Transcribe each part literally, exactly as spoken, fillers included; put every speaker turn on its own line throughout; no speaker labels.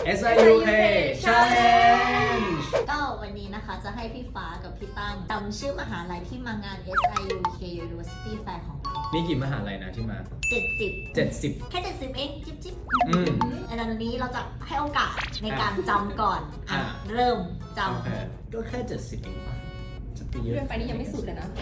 เอส ไอ ยู เค Challenge
ก็วันนี้นะคะจะให้พี่ฟ้ากับพี่ตั้มจำชื่อมหาลัยที่มางาน เอส ไอ ยู เค University Fair ของเรา
มีกี่มหาลัยนะที่มา
เจ็ดสิบ
เจ็ดสิบ
แค่เจ็ดสิบเองจิ๊บจิ๊บ
อืม
อันนี้เราจะให้โอกาสในการจำก่อนอ่ะ
อ่ะ
เริ่มจ
โอเคก็แค่เจ็ดสิบเองปะจะไปเยอะ
เลื่อนไปนี่ยังไม่สุดเลยนะ
ำ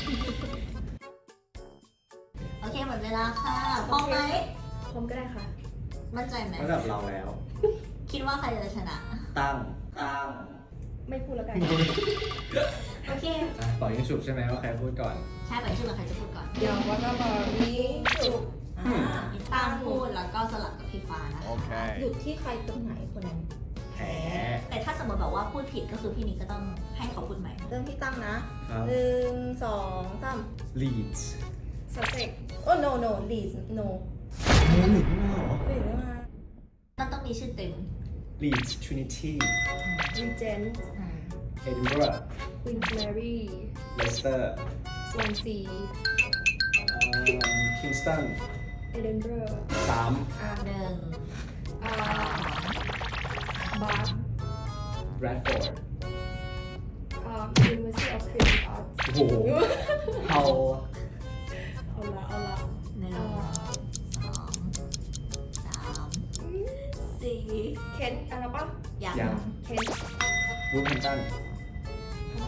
โอเคหมดเวลาค่ะพร้อมไหม
พร้อมก็ได้ค่ะ
มั่นใจไหม
ระดับเราแล้ว
คิดว่าใครจะชนะ
ตั้งตั้ง
ไม่พูดแล้วกัน
โอเค
อ่ะต่อยิงฉุบใช่ไหมว่าใครพูดก่อน
ใช่ไปชื่อมาใครจะพูดก่อน
เดี๋ยววันละบอนี้จุก
อ่าพี่ตั้มพูดแล้วก็สลับกับพี่ฟ้านะคะ
หยุดที่ใครตรงไหนคนนั้น
แพ้
แต่ถ้าสมมติแบบว่าพูดผิดก็คือพี่นิกก็ต้องให้เขาพูดใหม่
เริ่มที่ตั้งนะครับ หนึ่งสองสาม
Leeds
สเต็กโอ้ no no Leeds no
โอ้หลีดไม่มาเหรอ
หรือมา
มันต้องมีชื่อเต็ม
Leeds Trinity
Regent
Edinburgh
Queensberry
Leicester
Swansea
อืม Kingston
Edinburgh
สาม
อ่า
หนึ่ง
อ่าบาร์
Bradford
อ่า University of Creative Arts
โอ้โหเอา
เอาละเอาละ
หนึ่ง
อ่า
สองสามสี่
เคนอะไรปะ
ยัง
ยัง
เคน
Wolverhampton
อ่า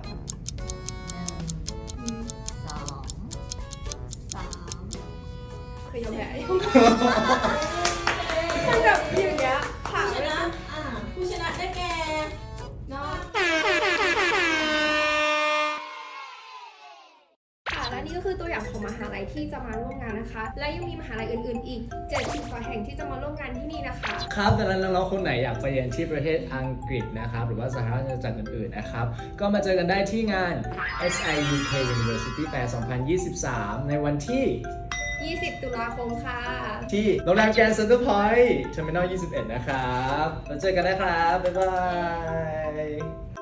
หนึ่ง
อืม
สองสาม
เคยยอมแพ้มันแบบอย่างเงี้ยผ่าน
ช
ไป
นะ
นะ
อ่าผู้ชนะได้แก่
เนาะค่ะและนี่ก็คือตัวอย่างของมหาลัยที่จะมาร่วมงานนะคะ และยังมีมหาลัยอื่นๆ อีกเจ็ดสิบกว่าแห่งที่จะมาร่วมงานที่นี่นะคะ
ครับดังนั้นน้องๆคนไหนอยากไปเรียนที่ประเทศอังกฤษนะครับหรือว่าสหราชอาณาจักรอื่นๆนะครับก็มาเจอกันได้ที่งาน เอส ไอ ยู เค University Fair สองพันยี่สิบสาม ในวันที่
ยี่สิบ ตุลาคมค่ะ
ที่โรงแรมแกรนด์เซ็นเตอร์พอยท์เทอร์มินอลยี่สิบเอ็ดนะครับแล้วเจอกันนะครับ บ๊ายบาย